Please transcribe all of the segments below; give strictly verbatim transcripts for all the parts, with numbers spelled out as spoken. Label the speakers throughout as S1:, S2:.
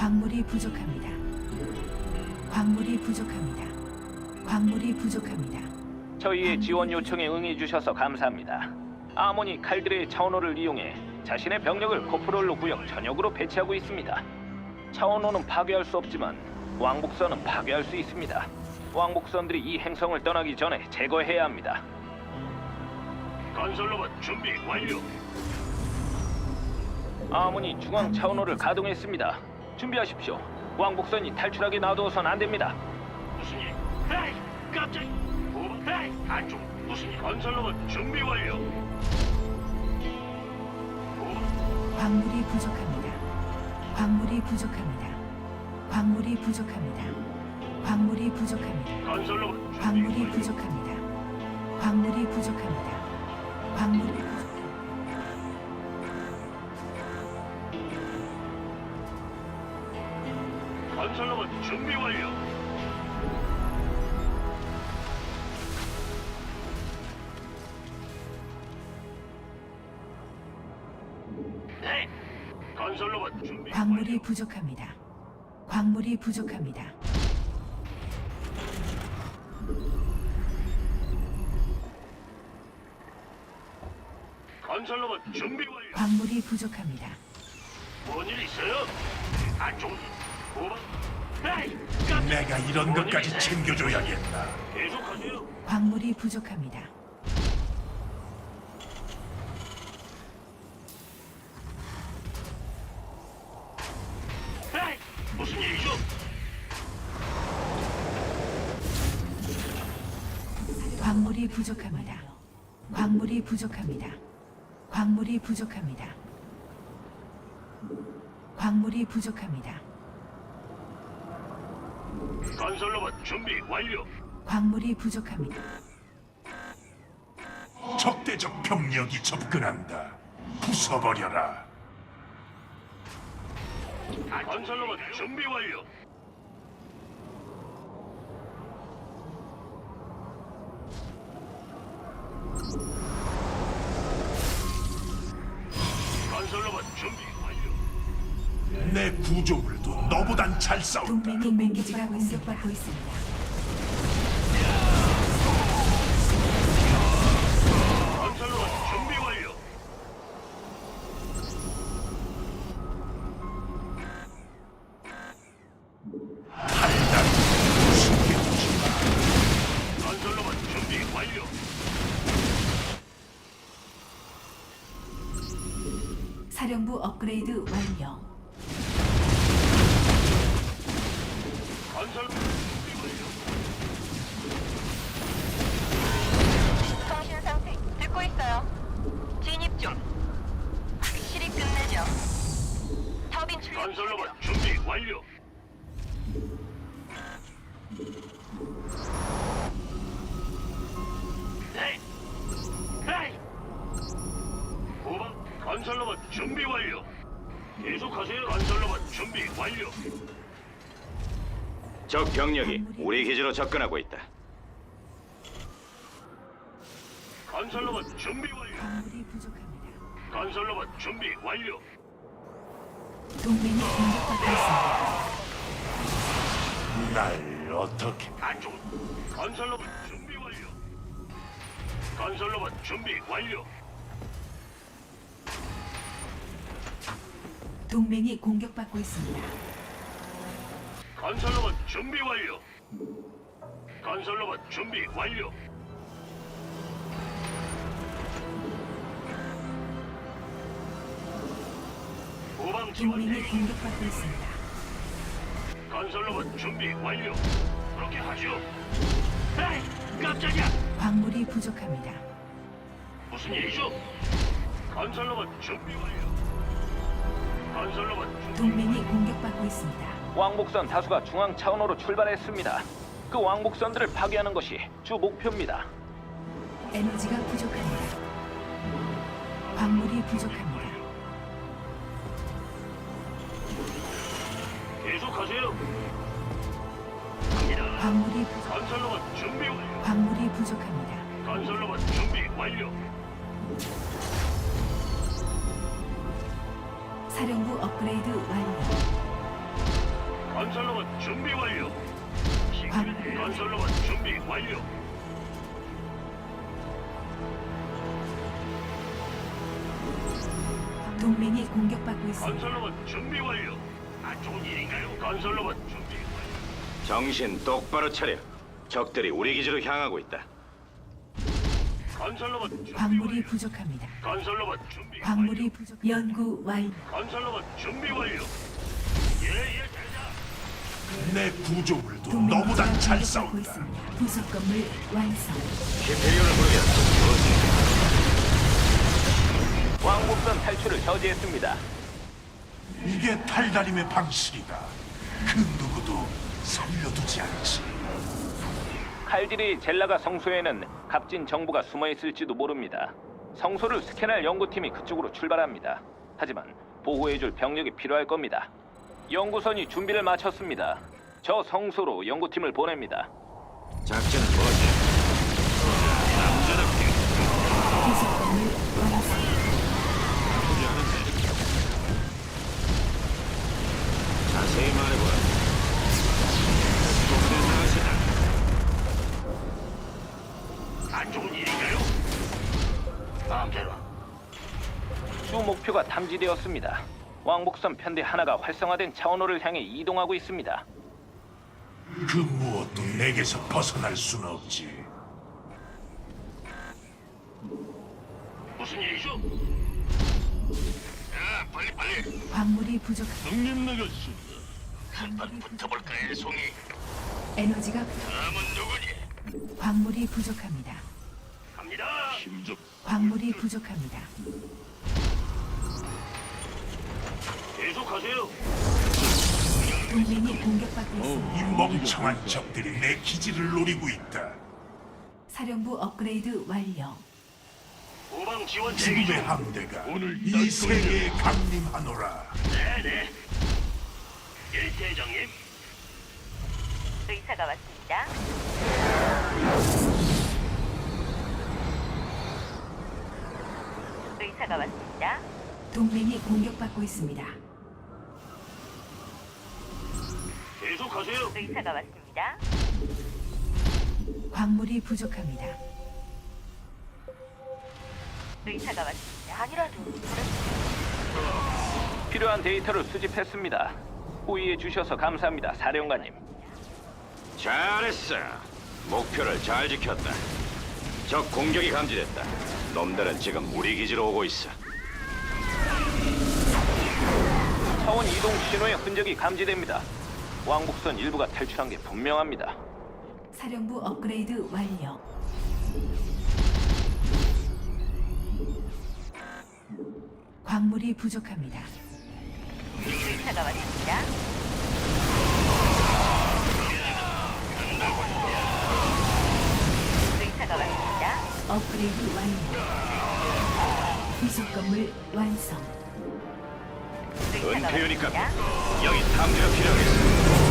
S1: 광물이 부족합니다. 광물이 부족합니다. 광물이 부족합니다.
S2: 저희의 지원 요청에 응해주셔서 감사합니다. 아모니 칼드레의 차원호를 이용해 자신의 병력을 코프롤로 구역 전역으로 배치하고 있습니다. 차원호는 파괴할 수 없지만 왕복선은 파괴할 수 있습니다. 왕복선들이 이 행성을 떠나기 전에 제거해야 합니다.
S3: 건설로봇 준비 완료.
S2: 아모니 중앙 차원호를 가동했습니다. 준비하십시오. 왕복선이 탈출하게 놔두어선 안 됩니다.
S3: 무슨 일? 에이, 깜짝. 뭐? 에이, 안쪽. 무슨 일? 건설로봇 준비 완료. 뭐?
S1: 광물이 부족합니다. 광물이 부족합니다. 광물이 부족합니다. 광물이 부족합니다.
S3: 건설로봇 준비
S1: 광물이
S3: 완료.
S1: 부족합니다. 광물이 부족합니다. 광물이 부족.
S3: 건설로봇 준비 완료. 네. 건설로봇 준비
S1: 광물이
S3: 완료.
S1: 부족합니다. 광물이 부족합니다.
S3: 건설로봇 준비 완료.
S1: 광물이 부족합니다.
S3: 뭔일 있어요? 안쪽. 뭐? 에이, 깜짝.
S4: 내가 이런
S3: 뭔일
S4: 것까지
S3: 있어요?
S4: 챙겨줘야겠다.
S3: 계속하세요.
S1: 광물이 부족합니다.
S3: 에이, 무슨 일이죠?
S1: 광물이 부족합니다. 광물이 부족합니다. 광물이 부족합니다. 광물이 부족합니다.
S3: 건설로봇 준비 완료.
S1: 광물이 부족합니다.
S4: 적대적 병력이 접근한다. 부숴버려라.
S3: 건설로봇 준비 완료. 건설로봇 준비 완료.
S4: 내 구조물도 너보단 잘 싸운다.
S1: 동맹 동맹 기지가 공격받고 있습니다.
S3: 건설로봇 준비 완료.
S4: 달달이 숨겨두지 마.
S3: 건설로봇 준비 완료.
S1: 사령부 업그레이드 완료.
S3: 건설로봇 준비 완료.
S5: 통신 상태 듣고 있어요. 진입 중. 확실히 끝내죠. 터빈 출력
S3: 건설로봇 준비 완료. 네. 네. 후방 건설로봇 준비 완료. 계속하세요. 건설로봇 준비 완료.
S6: 적 병력이 우리 기지로 접근하고 있다.
S3: 건설로봇 준비 완료.
S1: 광물이 부족합니다.
S3: 건설로봇 준비 완료.
S1: 동맹이 공격받고 있습니다.
S4: 날 어떻게
S3: 안쪽. 건설로봇 준비 완료. 건설로봇 준비 완료.
S1: 동맹이 공격받고 있습니다.
S3: 건설로봇 준비 완료. 건설로봇 준비 완료. 후방 지원
S1: 동맹이
S3: 대기.
S1: 공격받고 있습니다.
S3: 건설로봇 준비 완료. 그렇게 하죠. 에이, 깜짝이야.
S1: 광물이 부족합니다.
S3: 무슨 일이죠? 건설로봇 준비 완료. 건설로봇 준비
S1: 동맹이
S3: 완료.
S1: 공격받고 있습니다.
S2: 왕복선 다수가 중앙 차원호로 출발했습니다. 그 왕복선들을 파괴하는 것이 주 목표입니다.
S1: 에너지가 부족합니다. 광물이 부족합니다.
S3: 계속하세요.
S1: 광물이 부...
S3: 건설로봇 준비 완료.
S1: 광물이 부족합니다.
S3: 건설로봇 준비 완료.
S1: 사령부 업그레이드 완료.
S3: 건설로봇 준비 완료.
S1: 광-
S3: 건설로봇 준비 완료.
S1: 동맹이 공격받고 있습니다.
S3: 건설로봇 준비 완료. 안 좋은 일인가요? 건설로봇 준비 완료.
S6: 정신 똑바로 차려. 적들이 우리 기지로 향하고 있다.
S3: 건설로봇 준비
S1: 광물이
S3: 완료.
S1: 부족합니다.
S3: 건설로봇 준비
S1: 광물이
S3: 완료.
S1: 부족. 연구 완료.
S3: 건설로봇 준비 완료. 예예 대장.
S4: 내 구조물도
S1: 동맹
S4: 너보다 잘
S1: 공격받고
S4: 싸운다.
S1: 있습니다. 부속 건물 완성.
S6: 히페리온을 부르겠다.
S2: 왕복선 탈출을 저지했습니다.
S4: 이게 탈다림의 방식이다. 그 누구도 살려두지 않지.
S2: 칼질이 젤라가 성소에는 값진 정보가 숨어 있을지도 모릅니다. 성소를 스캔할 연구팀이 그쪽으로 출발합니다. 하지만 보호해줄 병력이 필요할 겁니다. 연구선이 준비를 마쳤습니다. 저 성소로 연구팀을 보냅니다.
S6: 작전은 뭐지? 남자답게
S1: 부속 건물 완성.
S6: 자세히 말해보라. 동네 나가시다.
S3: 안 좋은 일인가요? 마음대로.
S2: 주 목표가 탐지되었습니다. 왕복선 편대 하나가 활성화된 차원호를 향해 이동하고 있습니다.
S4: 그 무엇도 내게서 벗어날 수는 없지.
S3: 무슨 일이죠? 야, 빨리 빨리.
S1: 광물이 부족.
S3: 형님 나갔습니다. 한판 붙어볼까요, 송이?
S1: 에너지가
S3: 다음은 누구니?
S1: 광물이 부족합니다.
S3: 갑니다. 힘좀.
S1: 광물이 부족합니다.
S3: 계속하세요.
S1: 동맹이 공격받고 있습니다.
S4: 이 멍청한 적들이 내 기지를 노리고 있다.
S1: 사령부 업그레이드 완료.
S3: 후방 지원 대기 중.
S4: 지금의 함대가 이 세계에 강림하노라.
S3: 네네. 예, 대장님.
S5: 의사가 왔습니다. 의사가 왔습니다.
S1: 동맹이 공격받고 있습니다.
S3: 계속하세요.
S5: 의사가 왔습니다.
S1: 광물이 부족합니다.
S5: 의사가 왔습니다. 아니라도
S2: 필요한 데이터를 수집했습니다. 호의해 주셔서 감사합니다, 사령관님.
S6: 잘했어. 목표를 잘 지켰다. 적 공격이 감지됐다. 놈들은 지금 우리 기지로 오고 있어.
S2: 차원 이동 신호의 흔적이 감지됩니다. 왕복선 일부가 탈출한 게 분명합니다.
S1: 사령부 업그레이드 완료. 광물이 부족합니다.
S5: 의사가 왔습니다. 의사가 왔습니다.
S1: 업그레이드 완료. 부속 건물 완성.
S5: 의사가
S6: 은폐유니까
S5: 왔습니다.
S6: 여기 탐지가 필요하겠어.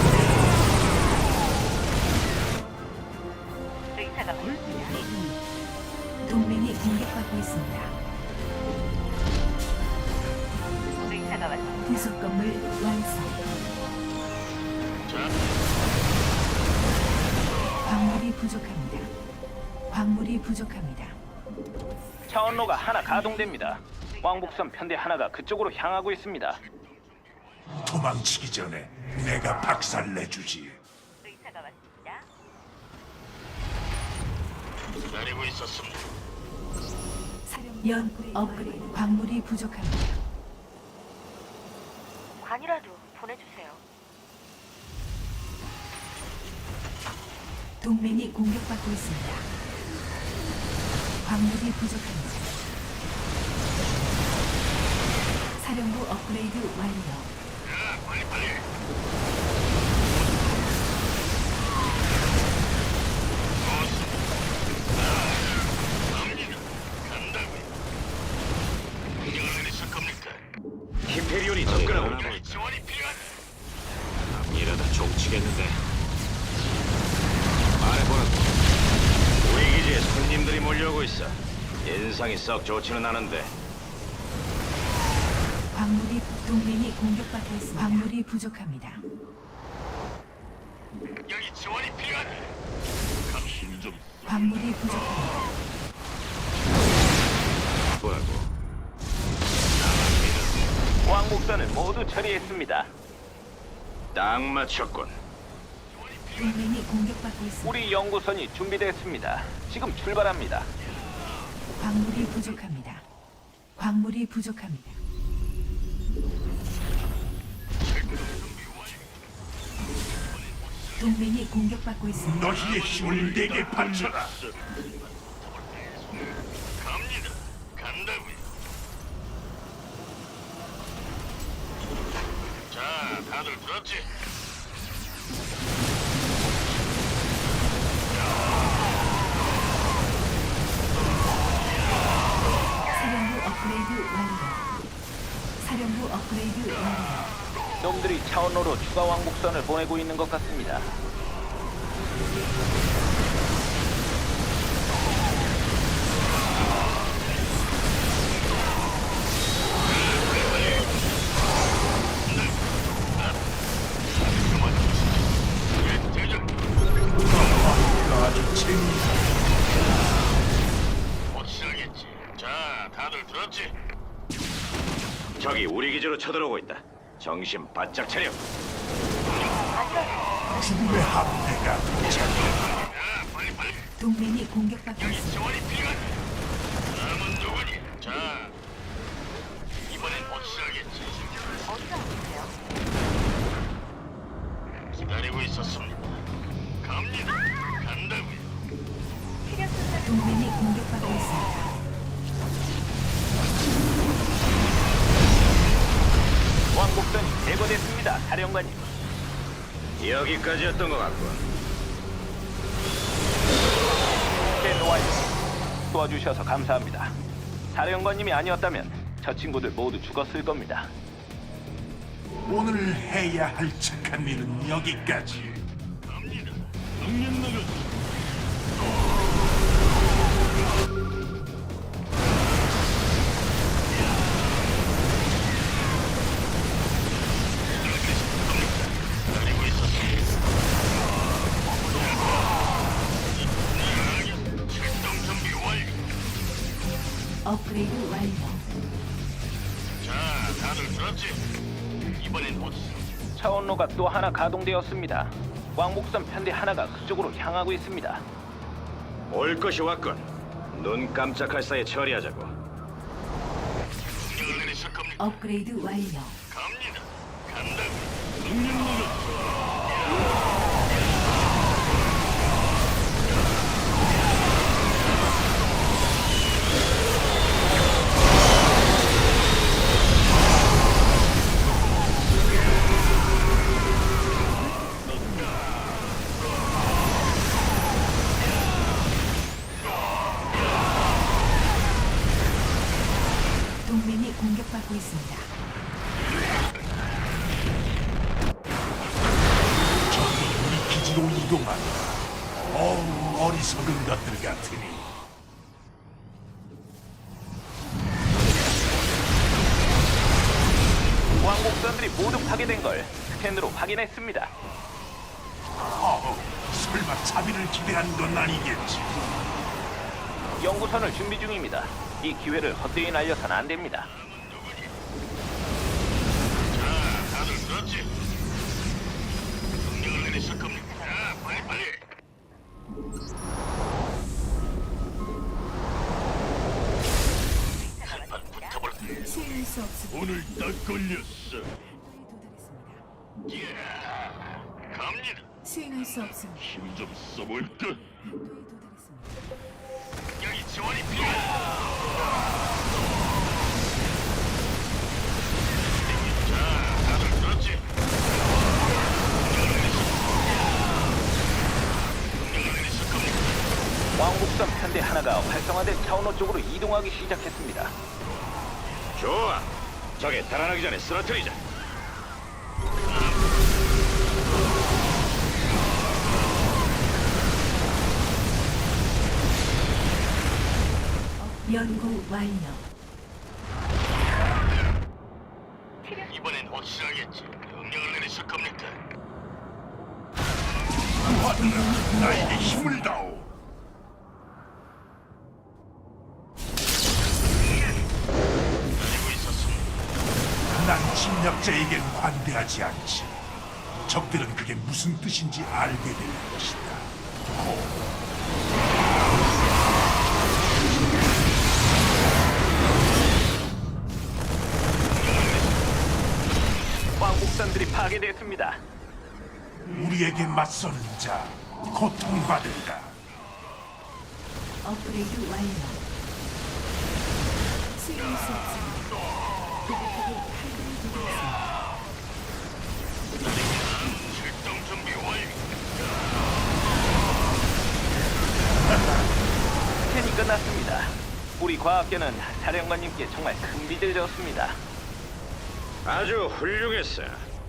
S5: 의사가 왔습니다.
S1: 동맹이 공격받고 있습니다.
S5: 의사가 왔습니다.
S1: 부속 건물 완성. 광물이 부족합니다. 광물이 부족합니다.
S2: 차원로가 하나 가동됩니다. 왕복선 편대 하나가 그쪽으로 향하고 있습니다.
S4: 도망치기 전에 내가 박살내주지.
S5: 의사가 왔습니다.
S3: 기다리고 있었습니다.
S1: 사령 연 업그레이드. 광물이 부족합니다.
S5: 관이라도 보내주세요.
S1: 동맹이 공격받고 있습니다. 광물이 부족합니다. 사령부 업그레이드 완료.
S3: 야, 빨리 빨리. 간다고요. 명령을 내리실 겁니까?
S6: 히페리온이 접근하고 있다.
S3: 지원이 필요하다.
S6: 이러다 종치겠는데. 말해보라고. 우리 기지에 손님들이 몰려오고 있어. 인상이 썩 좋지는 않은데.
S1: 광물이 동맹이 공격받고 있습니다. 광물이 부족합니다.
S3: 지원이 필요하다. 힘좀
S1: 광물이 부족합니다.
S6: 뭐라고?
S2: 왕복선을 모두 처리했습니다.
S6: 딱 맞췄군.
S1: 동맹이 공격받고 있습니다.
S2: 우리 연구선이 준비됐습니다. 지금 출발합니다.
S1: 광물이 부족합니다. 광물이 부족합니다. 동맹이 공격받고 있습니다.
S4: 너희의 힘을 내게 바쳐라.
S3: 갑니다. 간다고요. 자, 다들 들었지?
S1: 사령부 업그레이드 완료. 사령부 업그레이드 완료.
S2: 놈들이 차원로로 추가 왕복선을 보내고 있는 것 같습니다.
S4: 아주 재미있다.
S3: 확실하겠지. 자, 다들 들었지?
S6: 적이 우리 기지로 쳐들어오고 있다. 정신 바짝 차려.
S4: 죽음의 함대가 도착.
S3: 야, 빨리 빨리.
S1: 동맹이 공격받고 있습니다.
S3: 지원이 필요하다. 다음은 누구니? 자, 이번엔 확실하겠지.
S5: 어디가 아프세요?
S3: 기다리고 있었습니다. 갑니다. 간다고요.
S5: 필요 순서
S1: 동맹이 공격받고 있습니다.
S2: 왕복선이 제거됐습니다. 사령관님.
S6: 여기까지였던 것 같군.
S2: 스캔 완료. 도와주셔서 감사합니다. 사령관님이 아니었다면 저 친구들 모두 죽었을 겁니다.
S4: 오늘 해야 할 착한 일은 여기까지.
S3: 갑니다. 능력 나가. 기다리고 있었습니다. 출동 준비 완료.
S1: 업그레이드 완료.
S3: 자, 다들 들었지? 이번엔 못.
S2: 차원로가 또 하나 가동되었습니다. 왕복선 편대 하나가 그쪽으로 향하고 있습니다.
S6: 올 것이 왔군. 눈 깜짝할 사이에 처리하자고.
S3: 명령을 내리실 겁니다.
S1: 업그레이드 완료.
S3: 갑니다. 간다고. 능력 나가.
S1: 동맹이 공격받고 있습니다.
S4: 적이 우리 기지로 이동한다. 어우, 어리석은 것들 같으니.
S2: 왕복선들이 모두 파괴된 걸 스캔으로 확인했습니다.
S4: 어우, 설마 자비를 기대한 건 아니겠지.
S2: 연구선을 준비 중입니다. 이 기회를 헛되이 날려선 안 됩니다.
S3: 자, 다들 들었지? 명령을 내리실 겁니다. 자, 빨리 빨리. 한판 붙어볼까?
S1: 수행할 수 없습니다.
S3: 오늘 딱 걸렸어.
S1: 도달했습니다.
S3: 예, 갑니다.
S1: 수행할 수 없습니다.
S3: 힘 좀 써볼까?
S1: 도에 도달했습니다.
S3: 여기 지원이 필요하다. 자, 다들 들었지? 명령을 내리실 명령을 내리실 겁니다.
S2: 왕복선 편대 하나가 활성화된 차원호 쪽으로 이동하기 시작했습니다.
S6: 좋아. 적에 달아나기 전에 쓰러뜨리자.
S1: 연구 완료.
S3: 이번엔 확실하겠지. 명령을 내리실 겁니까?
S4: 구원 받으라. 나에게 힘을 다오.
S3: 가지고 있었습니다.
S4: 난 침략자에겐 관대하지 않지. 적들은 그게 무슨 뜻인지 알게 될 것이다.
S2: 왕복선들이 파괴됐습니다.
S4: 우리에게 맞서는 자 고통받는다.
S1: 업그레이드 완료. 수용할 수 없습니다. 고객에게 칼날이 도달했습니다.
S3: 출동 준비 완료.
S2: 스캔이 끝났습니다. 우리 과학계는 사령관님께 정말 큰 빚을 졌습니다.
S6: 아주 훌륭했어.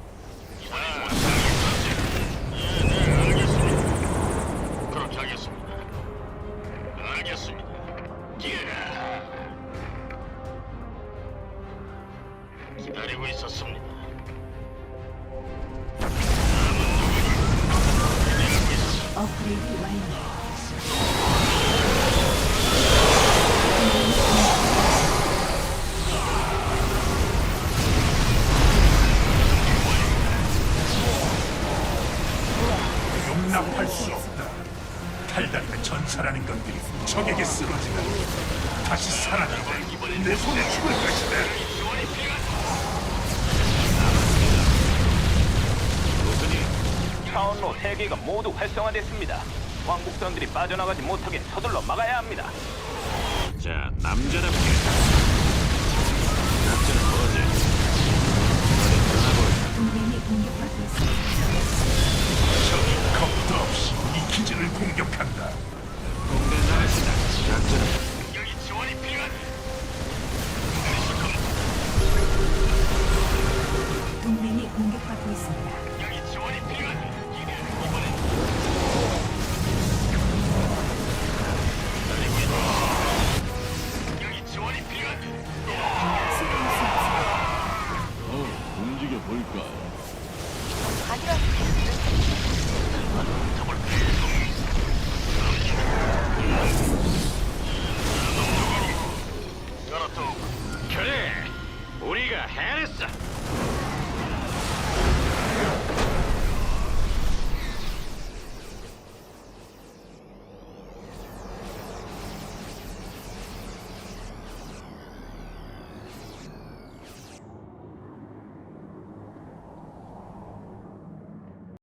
S3: 네, 네, 알겠습니다. 그렇게 하겠습니다. 알겠습니다. 예. 기다리고 있었습니다.
S1: 업그레이드 완료.
S4: 용납할 수 없다. 탈다리가 전사라는 것들이 적에게 쓰러지면 다시 살아난다. 내 손에 죽을 것이다.
S2: 차원로 세 개가 모두 활성화됐습니다. 왕복선들이 빠져나가지 못하게 서둘러 막아야 합니다.
S6: 자, 남자답게. 남자는 뭐지? 어디 떠나볼까?
S1: 동맹이 공격받고 있습니다.
S4: 적이 겁도 없이 이 기지를 공격한다.
S6: 공대 잘하시다.